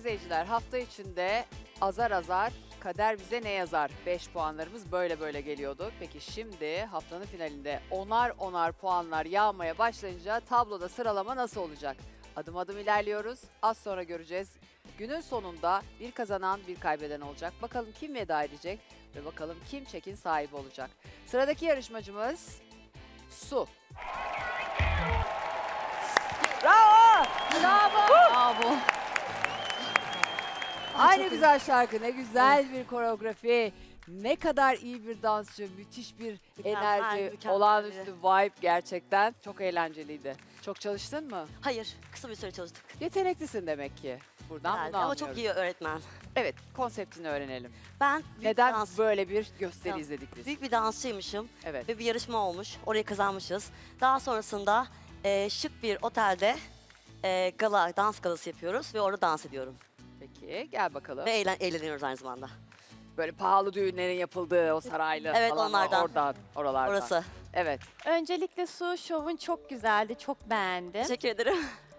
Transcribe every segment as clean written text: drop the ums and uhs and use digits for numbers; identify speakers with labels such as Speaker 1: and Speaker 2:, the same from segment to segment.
Speaker 1: izleyiciler, hafta içinde azar azar kader bize ne yazar? 5 puanlarımız böyle böyle geliyordu. Peki şimdi haftanın finalinde onar onar puanlar yağmaya başlayınca tabloda sıralama nasıl olacak? Adım adım ilerliyoruz. Az sonra göreceğiz. Günün sonunda bir kazanan bir kaybeden olacak. Bakalım kim veda edecek ve bakalım kim çekin sahibi olacak. Sıradaki yarışmacımız Su. Bravo! Bravo!
Speaker 2: Bravo.
Speaker 1: Ay ne güzel şarkı, ne güzel bir koreografi, ne kadar iyi bir dansçı, müthiş bir enerji,
Speaker 2: mükemmel.
Speaker 1: olağanüstü vibe gerçekten. Çok eğlenceliydi. Çok çalıştın mı?
Speaker 2: Hayır, kısa bir süre çalıştık.
Speaker 1: Yeteneklisin demek ki. Buradan
Speaker 2: Herhalde.
Speaker 1: bunu
Speaker 2: Ama
Speaker 1: anlıyoruz.
Speaker 2: çok iyi öğretmen.
Speaker 1: Evet, konseptini öğrenelim.
Speaker 2: Ben büyük
Speaker 1: Neden
Speaker 2: bir dans,
Speaker 1: böyle bir gösteri
Speaker 2: Tamam.
Speaker 1: izledik biz?
Speaker 2: büyük bir dansçıymışım
Speaker 1: Evet.
Speaker 2: ve bir yarışma olmuş. Orayı kazanmışız. Daha sonrasında şık bir otelde gala, dans galası yapıyoruz ve orada dans ediyorum.
Speaker 1: Peki, gel bakalım.
Speaker 2: Ve eğleniyoruz aynı zamanda.
Speaker 1: Böyle pahalı düğünlerin yapıldığı o saraylı
Speaker 2: Evet,
Speaker 1: falan
Speaker 2: onlardan.
Speaker 1: oradan, oralardan.
Speaker 2: Orası.
Speaker 1: Evet.
Speaker 3: Öncelikle Su, şovun çok güzeldi, çok beğendim.
Speaker 2: Teşekkür ederim.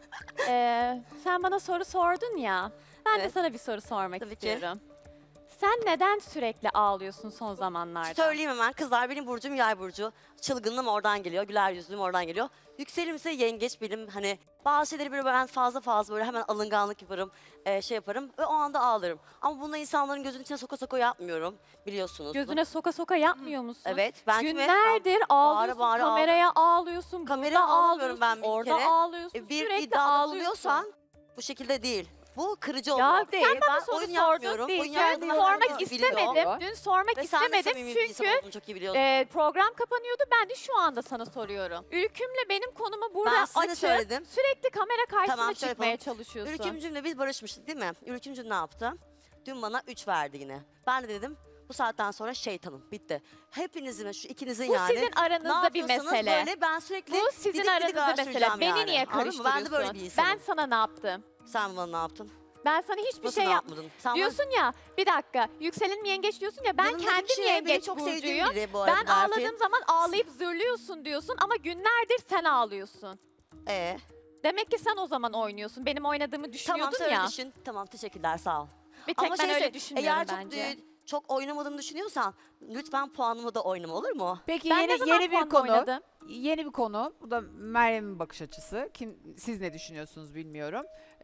Speaker 3: Sen bana soru sordun ya, ben de
Speaker 2: Evet.
Speaker 3: sana bir soru sormak
Speaker 2: Tabii ki.
Speaker 3: istiyorum. Sen neden sürekli ağlıyorsun son zamanlarda?
Speaker 2: Söyleyeyim hemen. Kızlar, benim burcum yay burcu. Çılgınlığım oradan geliyor. Güler yüzlülüğüm oradan geliyor. Yükselenim ise yengeç benim. Hani bazı şeyleri böyle ben fazla böyle hemen alınganlık yaparım. Şey yaparım ve o anda ağlarım. Ama bunu insanların gözünün içine soka soka yapmıyorum. Biliyorsunuz.
Speaker 3: Gözüne soka soka yapmıyor musun?
Speaker 2: Evet. Ben kime-
Speaker 3: Günlerdir ağlıyorsun,
Speaker 2: bağıra
Speaker 3: kameraya ağlıyorsun,
Speaker 2: Kameraya
Speaker 3: burada
Speaker 2: ağlamıyorum
Speaker 3: ağlıyorsun,
Speaker 2: ben bir
Speaker 3: orada
Speaker 2: kere.
Speaker 3: ağlıyorsun,
Speaker 2: Bir
Speaker 3: sürekli
Speaker 2: iddiada
Speaker 3: ağlıyorsun.
Speaker 2: bulunuyorsan bu şekilde değil. Bu kırıcı
Speaker 3: Ya
Speaker 2: oluyor.
Speaker 3: değil, sen bana
Speaker 2: Ben
Speaker 3: soru
Speaker 2: oyun
Speaker 3: sordun
Speaker 2: yapmıyorum.
Speaker 3: değil.
Speaker 2: Oyun
Speaker 3: Dün
Speaker 2: yaptığımı
Speaker 3: sormak
Speaker 2: herkes biliyor.
Speaker 3: istemedim. Dün sormak
Speaker 2: Ve sen de
Speaker 3: istemedim
Speaker 2: samimi bir insan
Speaker 3: çünkü
Speaker 2: olduğunu çok iyi biliyorsun.
Speaker 3: program kapanıyordu. Ben de şu anda sana soruyorum. Ülkümle benim konumu burada
Speaker 2: Ben size
Speaker 3: açıp
Speaker 2: söyledim.
Speaker 3: sürekli kamera karşısına
Speaker 2: Tamam, şöyle
Speaker 3: çıkmaya
Speaker 2: yapalım.
Speaker 3: çalışıyorsun.
Speaker 2: Ülkümcümle biz barışmıştık değil mi? Ülkümcüm ne yaptı? Dün bana 3 verdi yine. Ben de dedim bu saatten sonra şeytanım bitti. Hepinizin şu ikinizin
Speaker 3: Bu
Speaker 2: yani.
Speaker 3: sizin aranızda bir
Speaker 2: yapıyorsanız
Speaker 3: mesele.
Speaker 2: Böyle ben sürekli
Speaker 3: Bu sizin
Speaker 2: didik didik
Speaker 3: aranızda mesele.
Speaker 2: araştıracağım
Speaker 3: Beni
Speaker 2: yani.
Speaker 3: niye
Speaker 2: Anladın mı?
Speaker 3: karıştırıyorsun?
Speaker 2: Ben de böyle bir insanım.
Speaker 3: Ben sana ne yaptım?
Speaker 2: Sen bana ne yaptın?
Speaker 3: Ben sana hiçbir
Speaker 2: Nasıl
Speaker 3: şey
Speaker 2: ne
Speaker 3: yapmadım.
Speaker 2: yapmadın? Sen
Speaker 3: Diyorsun ya, bir dakika, yükselenim yengeç diyorsun ya, ben
Speaker 2: Yanımdaki
Speaker 3: kendim
Speaker 2: kişi benim
Speaker 3: yengeç
Speaker 2: çok sevdiğim
Speaker 3: burcuyum.
Speaker 2: biri bu arada
Speaker 3: Ben
Speaker 2: Berfin.
Speaker 3: ağladığım zaman ağlayıp zırlıyorsun diyorsun ama günlerdir sen ağlıyorsun. Demek ki sen o zaman oynuyorsun. Benim oynadığımı
Speaker 2: Tamam,
Speaker 3: düşünüyordun
Speaker 2: sen öyle
Speaker 3: ya.
Speaker 2: düşün. Tamam, teşekkürler, sağ ol.
Speaker 3: Bir tek
Speaker 2: Ama
Speaker 3: ben
Speaker 2: şeyse,
Speaker 3: öyle düşünmüyorum
Speaker 2: eğer
Speaker 3: bence.
Speaker 2: çok oynamadığımı düşünüyorsan lütfen puanımı da oynama, olur mu?
Speaker 1: Peki
Speaker 3: Ben ne zaman
Speaker 1: yeni bir
Speaker 3: puanla
Speaker 1: konu.
Speaker 3: oynadım?
Speaker 1: Yeni bir konu. Bu da Meryem'in bakış açısı. Siz ne düşünüyorsunuz bilmiyorum.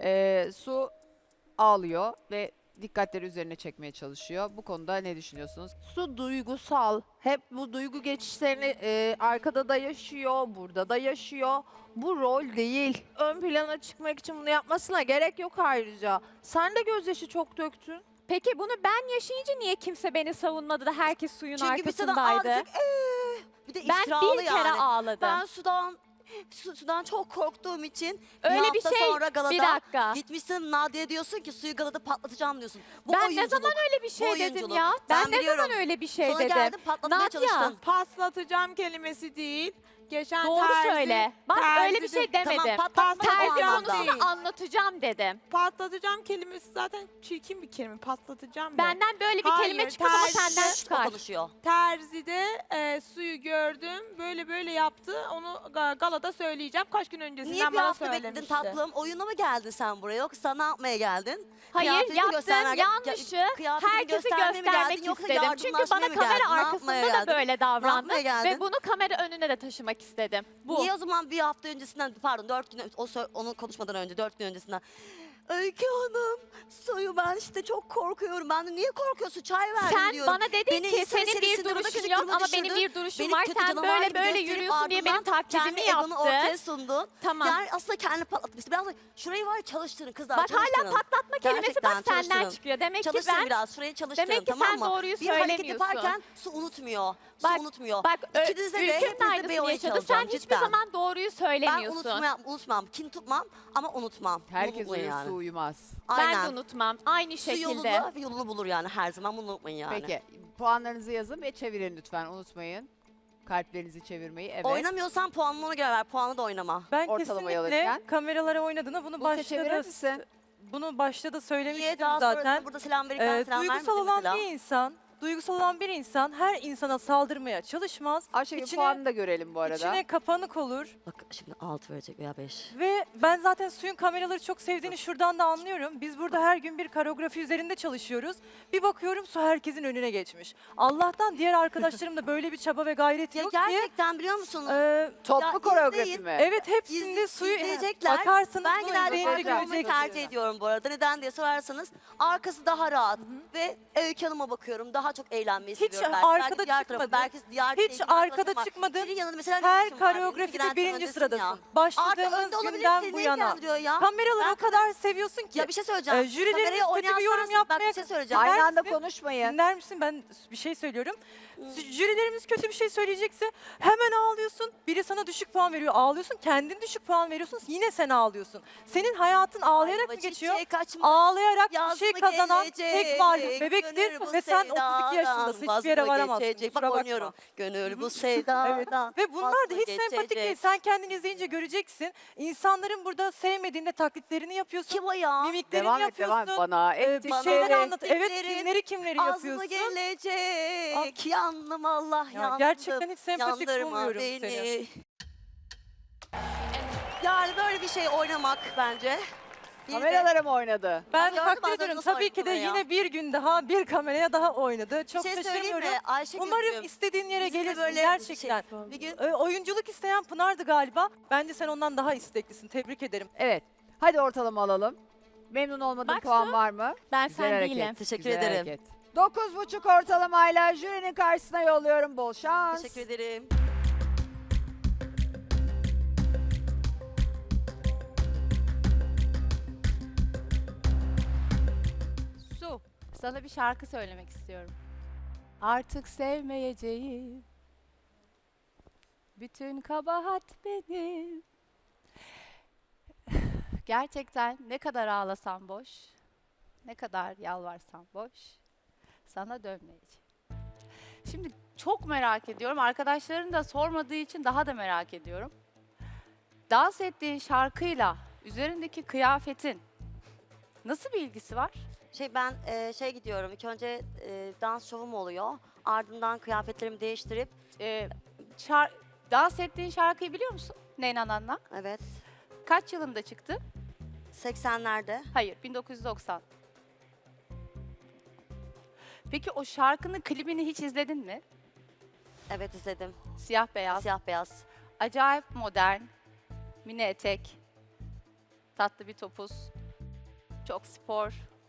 Speaker 1: Su ağlıyor ve dikkatleri üzerine çekmeye çalışıyor. Bu konuda ne düşünüyorsunuz?
Speaker 4: Su duygusal. Hep bu duygu geçişlerini arkada da yaşıyor, burada da yaşıyor. Bu rol değil. Ön plana çıkmak için bunu yapmasına gerek yok ayrıca. Sen de gözyaşı çok döktün.
Speaker 3: Peki bunu ben yaşayınca niye kimse beni savunmadı da herkes suyun
Speaker 2: Çünkü biz sana
Speaker 3: arkasındaydı?
Speaker 2: ağladık. Bir de
Speaker 3: Ben
Speaker 2: iftiralı
Speaker 3: bir kere
Speaker 2: yani.
Speaker 3: ağladım.
Speaker 2: Ben sudan çok korktuğum için
Speaker 3: Öyle
Speaker 2: bir
Speaker 3: bir
Speaker 2: hafta
Speaker 3: şey,
Speaker 2: sonra galada
Speaker 3: bir dakika.
Speaker 2: gitmişsin Nadia'ya diyorsun ki suyu galada patlatacağım diyorsun. Bu
Speaker 3: Ben ne
Speaker 2: oyunculuk.
Speaker 3: zaman öyle bir şey
Speaker 2: Bu
Speaker 3: dedim
Speaker 2: oyunculuk.
Speaker 3: ya? Ben ne
Speaker 2: biliyorum.
Speaker 3: zaman öyle bir şey
Speaker 2: Sonra
Speaker 3: dedim?
Speaker 2: geldin patlatmaya
Speaker 3: Nadia,
Speaker 2: çalıştın.
Speaker 4: Patlatacağım kelimesi değil. Geçen
Speaker 3: Doğru söyle. Bak öyle bir şey demedim.
Speaker 2: Tamam, patlatma
Speaker 3: Terzi
Speaker 2: o anlamda.
Speaker 3: konusunu anlatacağım dedim.
Speaker 4: Patlatacağım kelimesi zaten çirkin bir kelime. Patlatacağım
Speaker 3: Benden böyle bir
Speaker 4: Hayır,
Speaker 3: kelime çıkmaz ama
Speaker 4: terzi-
Speaker 3: senden
Speaker 2: O
Speaker 3: çıkar.
Speaker 2: konuşuyor.
Speaker 4: Terzide suyu gördüm. Böyle yaptı. Onu galada söyleyeceğim. Kaç gün öncesinden
Speaker 2: Niye bir
Speaker 4: bana
Speaker 2: hafta bekledin
Speaker 4: söylemişti.
Speaker 2: tatlım? Oyuna mı geldin sen buraya yoksa ne yapmaya geldin?
Speaker 3: Hayır,
Speaker 2: Kıyafetini
Speaker 3: yaptığım
Speaker 2: göstermeye-
Speaker 3: yanlışı
Speaker 2: kıyafetini
Speaker 3: herkese
Speaker 2: göstermeye mi
Speaker 3: göstermek
Speaker 2: geldin yoksa
Speaker 3: istedim. Çünkü
Speaker 2: yardımlaşmaya
Speaker 3: bana
Speaker 2: mı
Speaker 3: kamera
Speaker 2: geldin? Ne
Speaker 3: arkasında
Speaker 2: yapmaya
Speaker 3: da
Speaker 2: geldin?
Speaker 3: böyle davrandı
Speaker 2: yapmaya geldin?
Speaker 3: ve bunu kamera önüne de taşımak istedim. Bu.
Speaker 2: Niye o zaman bir hafta öncesinden, pardon 4 gün, onu konuşmadan önce 4 gün öncesinden Öykü Hanım, suyu ben işte çok korkuyorum. Ben de niye korkuyorsun? Çay verdim
Speaker 3: Sen
Speaker 2: diyorum.
Speaker 3: bana dedin
Speaker 2: Beni
Speaker 3: ki
Speaker 2: insan
Speaker 3: senin bir
Speaker 2: içerisinde burada
Speaker 3: duruşun
Speaker 2: küçük
Speaker 3: yok
Speaker 2: duruma
Speaker 3: ama
Speaker 2: düşürdün.
Speaker 3: benim bir duruşum
Speaker 2: Beni
Speaker 3: var.
Speaker 2: kötü
Speaker 3: Sen
Speaker 2: canavar
Speaker 3: böyle
Speaker 2: gibi
Speaker 3: böyle
Speaker 2: gösterip
Speaker 3: yürüyorsun diye
Speaker 2: ardından
Speaker 3: benim taklidimi
Speaker 2: kendi egonu ortaya
Speaker 3: yaptın.
Speaker 2: sundun.
Speaker 3: Tamam.
Speaker 2: Yani aslında kendini patlatmışsın. Biraz da şurayı var ya çalıştırın kızlar,
Speaker 3: Bak hala
Speaker 2: çalıştırın.
Speaker 3: patlatma kelimesi
Speaker 2: Gerçekten
Speaker 3: bak senden
Speaker 2: çalıştırın.
Speaker 3: çıkıyor. Demek ki
Speaker 2: Çalıştırın
Speaker 3: ben
Speaker 2: biraz, şurayı çalıştırın,
Speaker 3: demek ki
Speaker 2: tamam
Speaker 3: sen
Speaker 2: mı?
Speaker 3: doğruyu
Speaker 2: Bir hareket
Speaker 3: söylemiyorsun.
Speaker 2: yaparken su unutmuyor.
Speaker 3: Bak,
Speaker 2: Su unutmuyor.
Speaker 3: Bak
Speaker 2: İkinizde de
Speaker 3: ülkenin
Speaker 2: hepinizde bir
Speaker 3: aynısını
Speaker 2: oyun
Speaker 3: yaşadı. Sen
Speaker 2: çalacağım
Speaker 3: hiçbir
Speaker 2: cidden.
Speaker 3: zaman doğruyu
Speaker 2: Ben
Speaker 3: söylemiyorsun.
Speaker 2: unutmam. Kin tutmam ama unutmam.
Speaker 1: Herkes
Speaker 2: Unutmayın
Speaker 1: uyur,
Speaker 2: yani.
Speaker 1: Su uyumaz.
Speaker 3: Ben
Speaker 2: Aynen.
Speaker 3: de unutmam. Aynı
Speaker 2: Su
Speaker 3: şekilde.
Speaker 2: yolunu bulur yani her zaman, bunu unutmayın yani.
Speaker 1: Peki puanlarınızı yazın ve çevirin lütfen, unutmayın. Kalplerinizi çevirmeyi. Evet.
Speaker 2: Oynamıyorsan puanını ona göre ver. Puanı da oynama.
Speaker 5: Ben
Speaker 1: Ortalamayı
Speaker 5: kesinlikle
Speaker 1: alırken.
Speaker 5: kameralara oynadığını
Speaker 1: Buse çevirir misin?
Speaker 5: bunu başta da
Speaker 2: Niye
Speaker 5: söylemiştim
Speaker 2: daha sonra
Speaker 5: zaten.
Speaker 2: burada selam verirken selam
Speaker 5: Duygusal
Speaker 2: vermedin
Speaker 5: olan
Speaker 2: mesela?
Speaker 5: bir insan duygusal olan bir insan her insana saldırmaya çalışmaz.
Speaker 1: Ayşegül
Speaker 5: İçine-
Speaker 1: puanını da görelim bu arada.
Speaker 5: İçine kapanık olur.
Speaker 2: Bak şimdi 6 verecek veya 5.
Speaker 5: Ve ben zaten Suyun kameraları çok sevdiğini şuradan da anlıyorum. Biz burada her gün bir koreografi üzerinde çalışıyoruz. Bir bakıyorum Su herkesin önüne geçmiş. Allah'tan diğer arkadaşlarım da böyle bir çaba ve gayret
Speaker 2: Ya
Speaker 5: yok diye.
Speaker 2: gerçekten biliyor musunuz?
Speaker 1: Toplu
Speaker 2: Ya
Speaker 1: koreografi
Speaker 2: izleyin.
Speaker 1: mi?
Speaker 5: Evet hepsinde Suyu
Speaker 2: izleyecekler.
Speaker 5: bakarsanız
Speaker 2: Ben
Speaker 5: bu
Speaker 2: genelde
Speaker 5: izleyince
Speaker 2: arkada olmayı
Speaker 5: göreceksiniz.
Speaker 2: tercih ediyorum bu arada. Neden diye sorarsanız arkası daha rahat ve Öykü Hanım'a bakıyorum. Daha çok eğlenmeyi
Speaker 5: Hiç
Speaker 2: seviyorum. Belki.
Speaker 5: arkada
Speaker 2: Belki diğer
Speaker 5: çıkmadı.
Speaker 2: tarafı, belki diğer
Speaker 5: Hiç
Speaker 2: sevgililer
Speaker 5: arkada
Speaker 2: tarafı.
Speaker 5: çıkmadı.
Speaker 2: Senin yanında mesela ne
Speaker 5: Her
Speaker 2: işin var?
Speaker 5: koreografide
Speaker 2: İlgilendirme
Speaker 5: birinci
Speaker 2: öndesin
Speaker 5: sıradasın.
Speaker 2: ya. Artı
Speaker 5: Başladığımız
Speaker 2: önde olabilirsin.
Speaker 5: günden bu
Speaker 2: Ne
Speaker 5: yana.
Speaker 2: ilgilendiriyor ya?
Speaker 5: Kameraları
Speaker 2: Ben-
Speaker 5: o kadar seviyorsun ki.
Speaker 2: Ya bir şey söyleyeceğim.
Speaker 5: Jürilerimiz
Speaker 2: Kameraya
Speaker 5: kötü
Speaker 2: oynayan
Speaker 5: bir yorum
Speaker 2: sensin. Bak
Speaker 5: yapmaya...
Speaker 2: bir şey söyleyeceğim.
Speaker 1: Aynı
Speaker 5: Dinler
Speaker 1: anda
Speaker 5: misin?
Speaker 1: konuşmayın.
Speaker 5: Dinler misin? Ben bir şey söylüyorum. Jürilerimiz kötü bir şey söyleyecekse hemen ağlıyorsun. Biri sana düşük puan veriyor, ağlıyorsun. Kendin düşük puan veriyorsun, yine sen ağlıyorsun. Senin hayatın ağlayarak mı geçiyor? Ağlayarak bir şey kazanan tek varlık bebektir ve sen 32 yaşındasın. Hiçbir yere varamazsın.
Speaker 2: Bak
Speaker 5: Kusura bakma.
Speaker 2: oynuyorum. Gönül bu sevdadan.
Speaker 5: Ve bunlar da hiç sempatik
Speaker 2: vazgeçecek.
Speaker 5: değil. Sen kendin izleyince göreceksin. İnsanların burada sevmediğinde taklitlerini yapıyorsun.
Speaker 2: Kim o ya?
Speaker 5: Mimiklerini
Speaker 1: Devam et
Speaker 5: yapıyorsun.
Speaker 1: devam et bana.
Speaker 5: Bir
Speaker 1: Et
Speaker 5: şeyler
Speaker 1: işleri.
Speaker 5: anlat. Evet
Speaker 2: Tiplerin
Speaker 5: kimleri
Speaker 2: Az mı
Speaker 5: yapıyorsun.
Speaker 2: gelecek? Yandım Allah
Speaker 5: Ya
Speaker 2: yandım.
Speaker 5: gerçekten hiç sempatik
Speaker 2: Yandırma
Speaker 5: bulmuyorum
Speaker 2: beni.
Speaker 5: seni.
Speaker 2: Yani böyle bir şey oynamak bence. Bir de-
Speaker 1: Kameralara mı oynadı?
Speaker 5: Ben
Speaker 2: Gördüm
Speaker 5: takdir
Speaker 2: bazen
Speaker 5: ediyorum.
Speaker 2: nasıl
Speaker 5: Tabii ki de
Speaker 2: oynadığını ya.
Speaker 5: yine bir gün daha bir kameraya daha oynadı. Çok
Speaker 2: bir şey söyleyeyim
Speaker 5: şaşırmıyorum.
Speaker 2: mi Ayşegül'cüğüm?
Speaker 5: Umarım istediğin yere
Speaker 2: Biz de
Speaker 5: gelirsin
Speaker 2: böyle
Speaker 5: gerçekten.
Speaker 2: bir gün
Speaker 5: Oyunculuk isteyen Pınar'dı galiba. Bence sen ondan daha isteklisin. Tebrik ederim.
Speaker 1: Evet. Hadi ortalama alalım. Memnun olmadığın
Speaker 3: Bak
Speaker 1: puan
Speaker 3: Su,
Speaker 1: var mı?
Speaker 3: Ben
Speaker 1: Güzel
Speaker 3: sen
Speaker 1: hareket.
Speaker 3: değilim.
Speaker 2: Teşekkür
Speaker 1: Güzel
Speaker 2: ederim.
Speaker 1: hareket. 9,5 ortalamayla jürinin karşısına yolluyorum. Bol şans.
Speaker 2: Teşekkür ederim.
Speaker 3: Su, sana bir şarkı söylemek istiyorum. Artık sevmeyeceğim. Bütün kabahat benim. Gerçekten ne kadar ağlasam boş, ne kadar yalvarsam boş, sana dönmeyeceğim. Şimdi çok merak ediyorum. Arkadaşların da sormadığı için daha da merak ediyorum. Dans ettiğin şarkıyla üzerindeki kıyafetin nasıl bir ilgisi var?
Speaker 2: Ben gidiyorum. İlk önce dans şovum oluyor. Ardından kıyafetlerimi değiştirip
Speaker 3: Ee, dans ettiğin şarkıyı biliyor musun? Neyna Nanna.
Speaker 2: evet
Speaker 3: Kaç yılında çıktı?
Speaker 2: 80'lerde
Speaker 3: Hayır, 1990. Peki o şarkının klibini hiç izledin mi?
Speaker 2: evet izledim.
Speaker 3: Siyah beyaz.
Speaker 2: Siyah beyaz.
Speaker 3: Acayip modern. Mini etek. Tatlı bir topuz. Çok spor.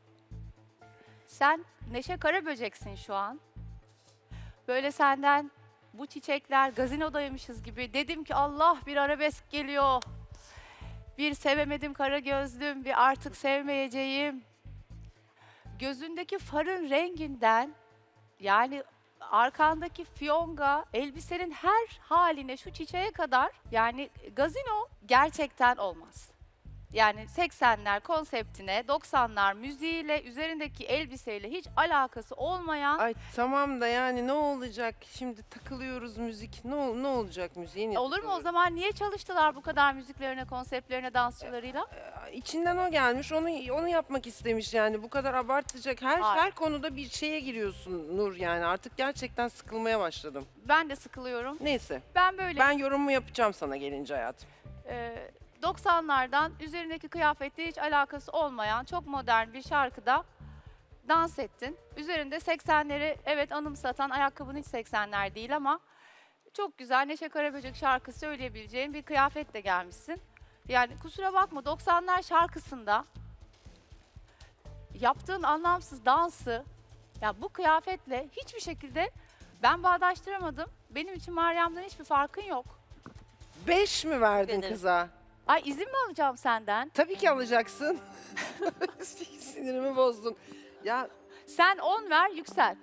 Speaker 3: Sen Neşe Karaböcek'sin şu an. Böyle senden bu çiçekler gazinodaymışız gibi. Dedim ki Allah bir arabesk geliyor. Bir sevemedim kara gözlüm, bir artık sevmeyeceğim. Gözündeki farın renginden, yani arkandaki fiyonga, elbisenin her haline şu çiçeğe kadar, yani gazino gerçekten olmaz. Yani 80'ler konseptine, 90'lar müziğiyle, üzerindeki elbiseyle hiç alakası olmayan
Speaker 6: Ay tamam da yani ne olacak? Şimdi takılıyoruz müzik. Ne olacak müziğin?
Speaker 3: olur mu o zaman? Niye çalıştılar bu kadar müziklerine, konseptlerine, dansçılarıyla?
Speaker 6: İçinden o gelmiş. Onu yapmak istemiş yani. Bu kadar abartacak.
Speaker 3: Hayır.
Speaker 6: Her konuda bir şeye giriyorsun Nur yani. Artık gerçekten sıkılmaya başladım.
Speaker 3: Ben de sıkılıyorum.
Speaker 6: Neyse.
Speaker 3: Ben böyle
Speaker 6: Ben yorumumu yapacağım sana gelince hayatım.
Speaker 3: 90'lardan üzerindeki kıyafetle hiç alakası olmayan çok modern bir şarkıda dans ettin. Üzerinde 80'leri evet anımsatan, ayakkabın hiç 80'ler değil ama çok güzel Neşe Karaböcek şarkı söyleyebileceğin bir kıyafetle gelmişsin. Yani kusura bakma 90'lar şarkısında yaptığın anlamsız dansı ya bu kıyafetle hiçbir şekilde ben bağdaştıramadım. Benim için Meryem'den hiçbir farkın yok.
Speaker 6: 5 mi verdin
Speaker 2: Ederim.
Speaker 6: kıza?
Speaker 3: Ay izin mi alacağım senden?
Speaker 6: Tabii ki alacaksın. Sinirimi bozdun. Ya
Speaker 3: Sen 10 ver yükselt.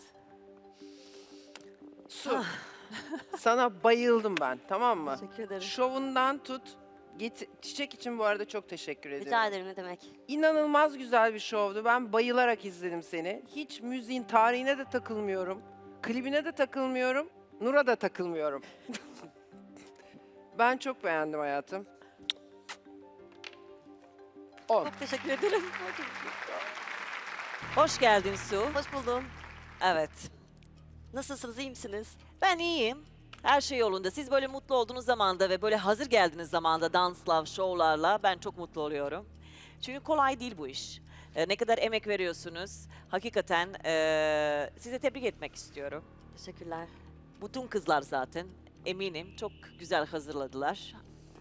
Speaker 6: Su. Sana bayıldım ben, tamam mı?
Speaker 2: Teşekkür ederim.
Speaker 6: Şovundan tut. Çiçek için bu arada çok teşekkür ediyorum.
Speaker 2: Rica ederim ne demek.
Speaker 6: İnanılmaz güzel bir şovdu. Ben bayılarak izledim seni. Hiç müziğin tarihine de takılmıyorum. Klibine de takılmıyorum. Nur'a da takılmıyorum. Ben çok beğendim hayatım. 10.
Speaker 2: Çok teşekkür ederim.
Speaker 7: Hoş geldin Su.
Speaker 2: Hoş buldum.
Speaker 7: Evet.
Speaker 2: Nasılsınız, iyi misiniz?
Speaker 7: Ben iyiyim. Her şey yolunda. Siz böyle mutlu olduğunuz zamanda ve böyle hazır geldiğiniz zamanda dansla, şovlarla ben çok mutlu oluyorum. Çünkü kolay değil bu iş. Ne kadar emek veriyorsunuz. Hakikaten size tebrik etmek istiyorum.
Speaker 2: Teşekkürler.
Speaker 7: Bütün kızlar zaten eminim çok güzel hazırladılar.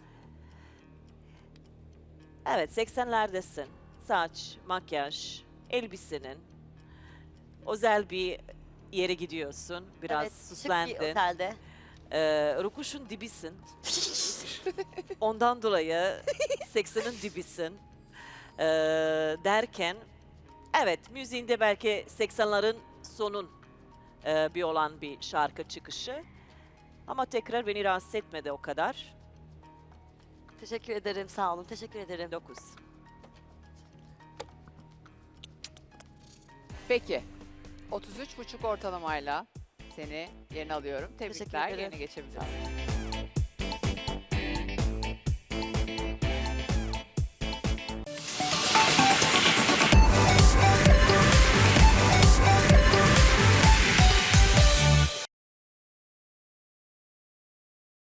Speaker 7: Evet 80'lerdesin. Saç, makyaj, elbisenin. Özel bir yere gidiyorsun. Biraz
Speaker 2: Evet, şık bir
Speaker 7: süslendin.
Speaker 2: otelde.
Speaker 7: Rukuşun dibisin. Ondan dolayı 80'in dibisin. Derken evet müziğinde belki 80'lerin sonun bir olan bir şarkı çıkışı. Ama tekrar beni rahatsız etmedi o kadar.
Speaker 2: Teşekkür ederim, sağ olun. Teşekkür ederim.
Speaker 7: 9.
Speaker 1: Peki. 33,5 ortalamayla seni yerine alıyorum. Tebrikler.
Speaker 2: ederim.
Speaker 1: Yerine geçebilirsin.